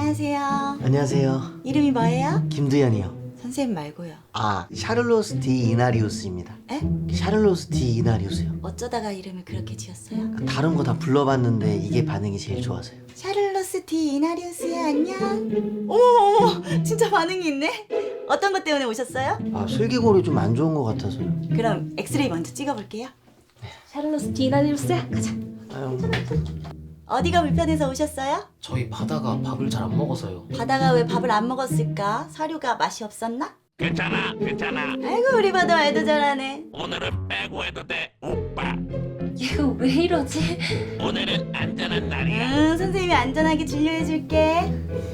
안녕하세요. 안녕하세요. 이름이 뭐예요? 김두현이요. 선생님 말고요. 아, 샤를로스 디 이나리우스입니다. 에? 샤를로스 디 이나리우스요. 어쩌다가 이름을 그렇게 지었어요? 다른 거 다 불러봤는데 이게 반응이 제일 좋아서요. 샤를로스 디 이나리우스야, 안녕. 어머, 진짜 반응이 있네. 어떤 것 때문에 오셨어요? 아, 슬개골이 좀 안 좋은 것 같아서요. 그럼 엑스레이 먼저 찍어볼게요. 샤를로스 디나리우스야, 가자. 아유, 어디가 불편해서 오셨어요? 저희 바다가 밥을 잘 안 먹어서요. 바다가 왜 밥을 안 먹었을까? 사료가 맛이 없었나? 괜찮아. 아이고, 우리 바다 말도 잘하네. 오늘은 빼고 해도 돼, 오빠. 얘가 왜 이러지? 오늘은 안전한 날이야. 응, 선생님이 안전하게 진료해줄게.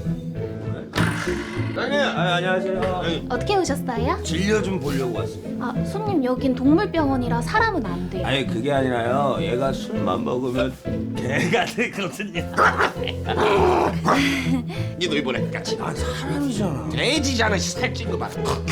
안녕하세요. 어떻게 오셨어요? 진료 좀 보려고 왔습니다. 아, 손님 여긴 동물병원이라 사람은 안 돼요. 아니 그게 아니라요. 얘가 술만 먹으면 개가 되거든요. 니도 이번에 같이. 난 사람이잖아. 돼지잖아, 살찐 거 봐.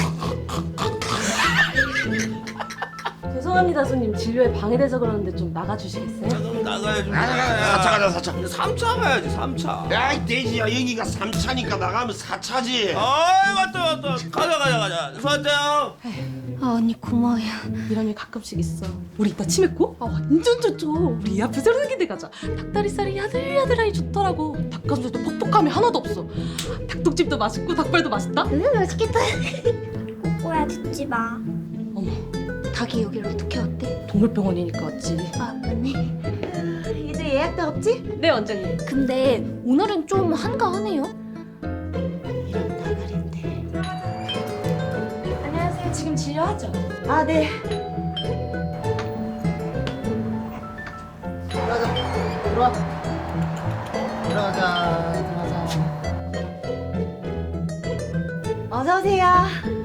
죄송합니다, 손님. 진료에 방해돼서 그러는데 좀 나가주시겠어요? 그럼 나가야지. 사차 가자, 사차. 3차 가야지. 3차. 야이 돼지야, 여기가 3차니까 나가면 4차지. 아이 맞다. 가자. 수고하세요. 아, 언니 고마워요. 이런 일 가끔씩 있어. 우리 이따 치맥고? 아, 완전 좋죠. 우리 이 앞에 새로 생긴 데 가자. 닭다리살이 야들야들하니 좋더라고. 닭가슴살도 퍽퍽함이 하나도 없어. 닭똥집도 맛있고 닭발도 맛있다. 맛있겠다. 꼬꼬야 듣지 마. 어머, 닭이 여기를 어떻게 왔대? 동물병원이니까 왔지. 아, 맞네. 이제 예약도 없지? 네, 원장님. 근데 오늘은 좀 한가하네요. 이런 나가린데. 안녕하세요. 지금 진료하죠? 아, 네. 들어가자. 어서 오세요.